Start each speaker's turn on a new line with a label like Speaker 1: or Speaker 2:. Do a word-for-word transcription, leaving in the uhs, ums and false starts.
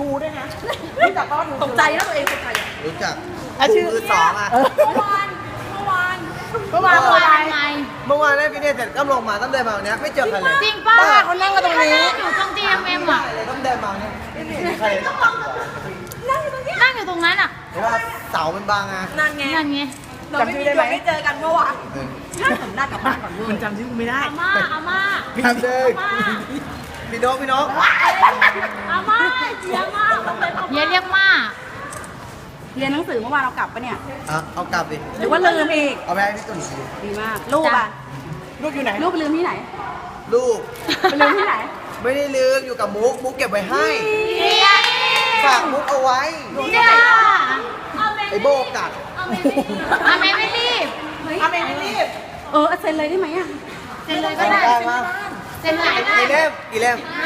Speaker 1: ด้วยนะรู้จักก็ตกใจนะตัวเองตกใจ
Speaker 2: รู้จัก
Speaker 1: อ่ะชื่อ
Speaker 2: คือสองอ่ะ
Speaker 1: เมื่อวานเมื่อวานเมื่อวานเมื่อวาน
Speaker 3: ไง
Speaker 2: เมื่อวานได้ฟิตเนสเสร็จก็ลงมาต้องเดินมาวันนี้ไม่เจอใครเลย
Speaker 3: จริงป่ะ
Speaker 2: บ้า
Speaker 1: เขานั่งกันตรงนี้
Speaker 3: อยู่ตรง จี เอ็ม เอ็ม อ่ะ
Speaker 2: เลยต้องเดินมาเนี่ยไม่เห็นใครเลย
Speaker 1: นั่งอยู่ตรงนี้
Speaker 3: นั่งอยู่ตรงนั้นอ่ะ
Speaker 2: เห็นว่าเสามันบางอ่ะ
Speaker 1: นั่นไง
Speaker 3: นั่นไง
Speaker 1: เราไม่มีเราไม่เจอกันเมื่อวานถ้าผมได้กลับบ้านก่อนคุณจำชื่อไม่ได้
Speaker 3: อาม่าอาม่า
Speaker 2: พี่เด้พี่นกพี่นก
Speaker 3: อาม่าเฮียม่าเฮียเรียกม่า
Speaker 1: เรียนหนังสือเมื่อวานเรากลับปะเนี่ย
Speaker 2: อ่ะเอากลับดิ
Speaker 1: หรือว่าลืมอีก
Speaker 2: เอาไปให้พี่ตุ่นดู
Speaker 1: ดีมากลูกอ่ะลูกอยู่ไหนลูกไปลืมที่ไหน
Speaker 2: ลูก
Speaker 1: ไปลืมที่ไหน
Speaker 2: ไม่ได้ลืมอยู่กับมุกมุกเก็บไว้ให้
Speaker 3: เฮีย
Speaker 2: ฝากมุกเอาไว้
Speaker 3: จ้า
Speaker 2: ไอโบกัด
Speaker 3: อาเมไม่รีบ
Speaker 1: อาเมไม่รีบเออเซ็นเลยได้ไหมอ่ะ
Speaker 3: เซ็นเลยก็ได้
Speaker 2: ได้มา
Speaker 3: เซ็นเลยก็ได้
Speaker 2: กี่เล่มกี่เล่ม